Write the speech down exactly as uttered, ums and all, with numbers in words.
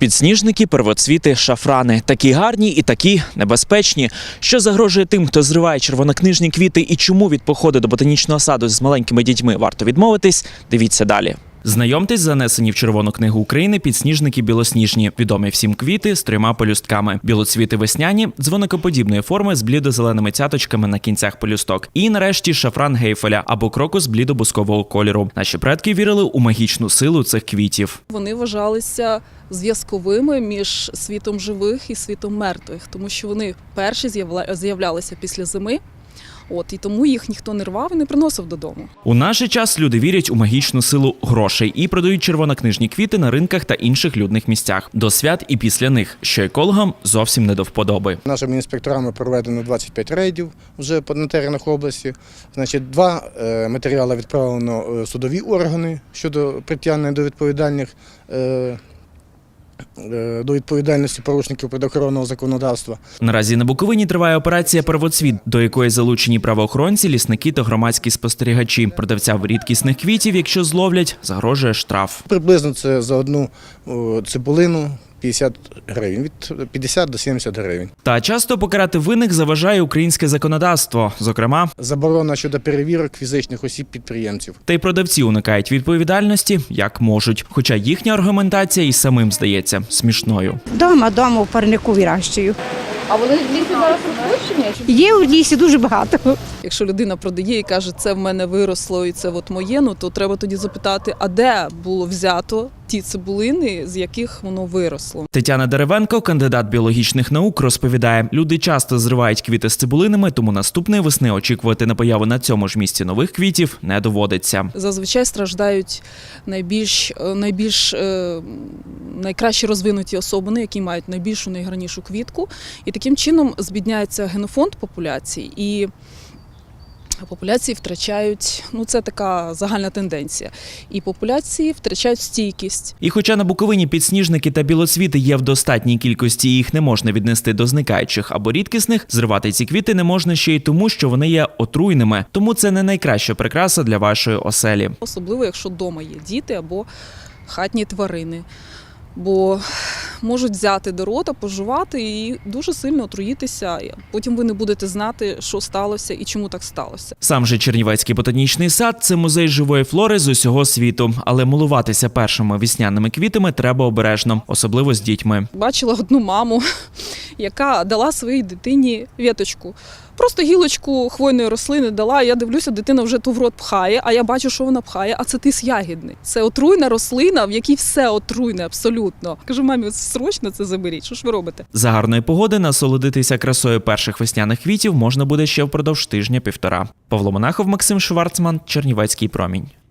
Підсніжники, первоцвіти, шафрани. Такі гарні і такі небезпечні. Що загрожує тим, хто зриває червонокнижні квіти і чому від походу до ботанічного саду з маленькими дітьми варто відмовитись, дивіться далі. Знайомтесь, занесені в Червону книгу України підсніжники білосніжні. Відомі всім квіти з трьома пелюстками. Білоцвіти весняні, дзвоникоподібної форми з блідо-зеленими цяточками на кінцях пелюсток. І нарешті шафран гейфеля або крокус блідо-бускового кольору. Наші предки вірили у магічну силу цих квітів. Вони вважалися зв'язковими між світом живих і світом мертвих, тому що вони перші з'являлися після зими. От, і тому їх ніхто не рвав і не приносив додому. У наш час люди вірять у магічну силу грошей і продають червонокнижні квіти на ринках та інших людних місцях. До свят і після них, що екологам зовсім не до вподоби. Нашими інспекторами проведено двадцять п'ять рейдів вже на теренах області. Значить, два матеріали відправлено в судові органи щодо притягнення до відповідальних до відповідальності порушників природоохоронного законодавства. Наразі на Буковині триває операція «Первоцвіт», до якої залучені правоохоронці, лісники та громадські спостерігачі. Продавцям рідкісних квітів, якщо зловлять, загрожує штраф. Приблизно це за одну цибулину п'ятдесят гривень, від п'ятдесят до сімдесят гривень. Та часто покарати винних заважає українське законодавство, зокрема, заборона щодо перевірок фізичних осіб-підприємців. Та й продавці уникають відповідальності, як можуть. Хоча їхня аргументація і самим здається смішною. Дома, дома в парнику вирощую. А вони в лісі зараз розпущені? Є у лісі дуже багато. Якщо людина продає і каже, це в мене виросло і це от моє, ну то треба тоді запитати, а де було взято ті цибулини, з яких воно виросло. Тетяна Деревенко, кандидат біологічних наук, розповідає, люди часто зривають квіти з цибулинами, тому наступної весни очікувати на появу на цьому ж місці нових квітів не доводиться. Зазвичай страждають найбільш, найбільш найкраще розвинуті особини, які мають найбільшу, найгарнішу квітку. І таким чином збідняється генофонд популяції і популяції втрачають, ну це така загальна тенденція, і популяції втрачають стійкість. І хоча на Буковині підсніжники та білоцвіти є в достатній кількості і їх не можна віднести до зникаючих або рідкісних, зривати ці квіти не можна ще й тому, що вони є отруйними. Тому це не найкраща прикраса для вашої оселі. Особливо, якщо вдома є діти або хатні тварини. Бо можуть взяти до рота, пожувати і дуже сильно отруїтися. Потім ви не будете знати, що сталося і чому так сталося. Сам же Чернівецький ботанічний сад – це музей живої флори з усього світу. Але милуватися першими весняними квітами треба обережно, особливо з дітьми. Бачила одну маму, яка дала своїй дитині віточку. Просто гілочку хвойної рослини дала, я дивлюся, дитина вже ту в рот пхає, а я бачу, що вона пхає, а це тис ягідний. Це отруйна рослина, в якій все отруйне абсолютно. Кажу, мамі, срочно це заберіть, що ж ви робите? За гарної погоди насолодитися красою перших весняних квітів можна буде ще впродовж тижня-півтора. Павло Монахов, Максим Шварцман, Чернівецький промінь.